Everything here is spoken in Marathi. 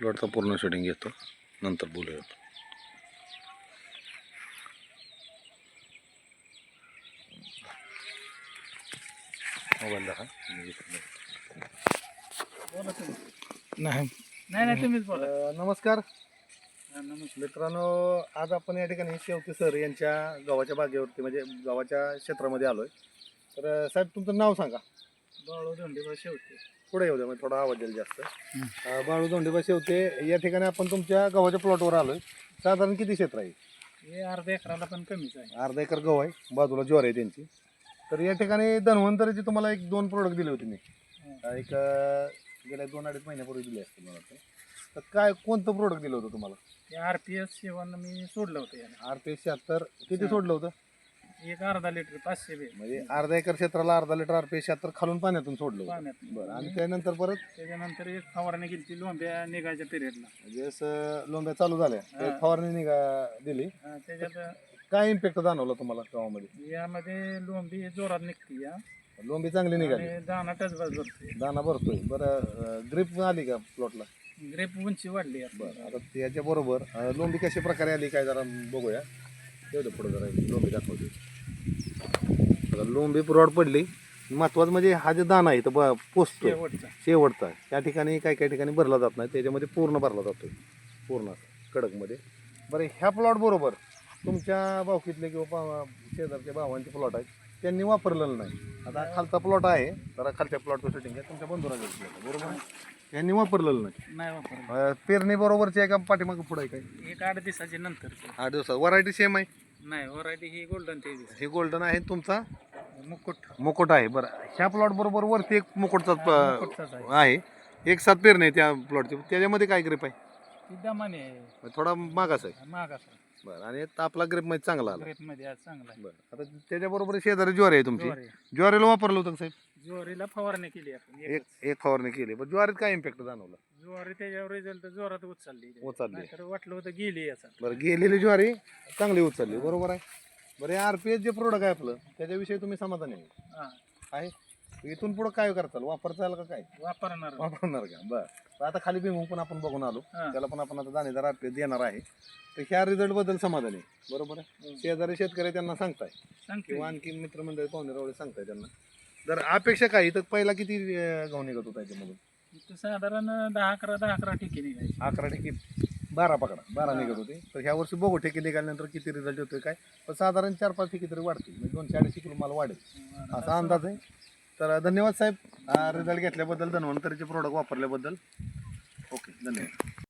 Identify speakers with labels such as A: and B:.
A: प्लॉटचा पूर्ण शूटिंग घेतो, नंतर बोलूया. मोबाईल दाखवा.
B: नाही नाही तुम्हीच बोला.
C: नमस्कार
B: नमस्कार.
C: मित्रांनो, आज आपण या ठिकाणी शेवते सर यांच्या गावाच्या बागेवरती म्हणजे गावाच्या क्षेत्रामध्ये आलोय. तर साहेब तुमचं नाव सांगा.
B: बाळू धोंडेबा शेवते.
C: पुढे येऊ द्या, म्हणजे थोडा आवाज द्याल जास्त. बाळू धोंडेबा शेवते, या ठिकाणी आपण तुमच्या गावाच्या प्लॉटवर आलोय. साधारण किती क्षेत्र आहे?
B: हे अर्ध्या एकराला पण कमीच आहे.
C: अर्धा एकर गहू आहे, बाजूला ज्वार आहे त्यांची. तर या ठिकाणी धन्वंतरीचे तुम्हाला 1-2 प्रोडक्ट दिले होते मी. एक गेल्या 2-2.5 महिन्यापूर्वी दिले असते मला वाटतं. तर काय कोणतं प्रोडक्ट दिलं होतं तुम्हाला?
B: ते RPS 7 मी सोडलं होतं याला.
C: RPS 76 किती सोडलं होतं?
B: एक अर्धा लिटर 500 बे
C: म्हणजे अर्धा एकर क्षेत्राला अर्धा लिटर RPS 76 खालून पाण्यातून सोडलं होतं.
B: पाण्यात.
C: बरं, आणि त्यानंतर परत
B: त्याच्यानंतर एक फवारणी केली ती लोंब्या निघायच्या पिरियडला.
C: म्हणजे असं लोंब्या चालू झाल्या
B: हा.
C: फवारणी दिली.
B: त्याच्यात
C: काय इम्पॅक्ट जाणवला तुम्हाला गावामध्ये?
B: यामध्ये लोंबी जोरात निघते या
C: लोंबी चांगली निघाली,
B: आणि दाना टचबाज भरते.
C: दाना भरतोय. बरं, ग्रीप आली का प्लॉटला?
B: ग्रेप उंची वाढली आता.
C: बरं, आता त्याच्या बरोबर लोंबी कशा प्रकारे आली काय जरा बघूया. तेवढं पुढे जरा लोंबी दाखवते. आता लोंबी पुरवड पडली. महत्वाचं म्हणजे हा जे दाना आहे तो पोचतो
B: शेवटचा.
C: शेवटचा, त्या ठिकाणी काही ठिकाणी भरला जात नाही, त्याच्यामध्ये पूर्ण भरला जातो, पूर्ण कडकमध्ये. बरं, ह्या प्लॉट बरोबर तुमच्या भावकीतले किंवा शेजारच्या भावांचे प्लॉट आहेत त्यांनी वापरलेलं नाही. आता खालचा प्लॉट आहे, जरा खालच्या प्लॉटचं शूटिंग आहे, तुमच्या बंधुरा बरोबर आहे, यांनी वापरलेलं नाही.
B: नाही वापरलं.
C: पेरणी बरोबरची आहे का पाठीमागं पुढं आहे काय?
B: एक 8 दिवसाची नंतर.
C: 8 दिवसात. व्हरायटी सेम आहे?
B: नाही, व्हरायटी ही गोल्डन तेवीस.
C: हे गोल्डन आहे, तुमचा
B: मुकुट.
C: मुकुट आहे. बरं, ह्या प्लॉट बरोबर वरती एक मुकुटचा
B: मुकुटचाच आहे.
C: आहे. एक साथ पेरणी आहे त्या प्लॉटची. त्याच्यामध्ये काय ग्रीप आहे?
B: ती दमाने आहे.
C: थोडा मागास आहे.
B: मागास
C: बरं, आणि आपला ग्रेप मध्ये चांगला आला.
B: ग्रेप मध्ये आज चांगला आहे.
C: बरं, आता त्याच्याबरोबर शेजारी ज्वारी आहे तुमची.
B: ज्वारी.
C: ज्वारीला वापरलं होतं का साहेब?
B: ज्वारीला फवारणी केली आपण.
C: एक फवारणी केली, पण ज्वारीत काय इम्पॅक्ट जाणवला?
B: ज्वारी त्याच्यावर रिझल्ट जोरात उचलली.
C: उचलली.
B: तर वाटलं होतं गेली याचा.
C: बरं, गेलेली ज्वारी चांगली उचलली, बरोबर आहे. बरं, RPS जे प्रोडक्ट आहे आपलं त्याच्याविषयी तुम्ही समाधानी
B: हा,
C: आहे? इथून पुढे काय करताल? वापरताल का काय?
B: वापरणार.
C: वापरणार का? बरं, आता खाली भीमुंग पण आपण बघून आलो,
B: हा.
C: त्याला पण आपण आता दाणेदार RPS देणार आहे. तर ह्या रिझल्ट बद्दल समाधानी आहे, बरोबर आहे. शेजारी शेतकरी त्यांना सांगताय
B: सांगते.
C: किंवा आणखी मित्रमंडळी पाहुणे रावळे सांगताय त्यांना. तर अपेक्षा काय? तर पहिला किती गहू निघत होता त्याच्यामधून?
B: इथं साधारण 10-11 ठिकी निघायची.
C: 11 ठेकी, 12 पकडा, 12 निघत होते. तर ह्या वर्षी बघू ठेकी निघाल्यानंतर किती रिझल्ट येतोय काय. पण साधारण 4-5 ठेकी तरी वाढतील, म्हणजे 200-250 किलो माल वाढेल असा अंदाज आहे. तर धन्यवाद साहेब, रिझल्ट घेतल्याबद्दल, धन्वंतरीचे प्रोडक्ट वापरल्याबद्दल. ओके, धन्यवाद.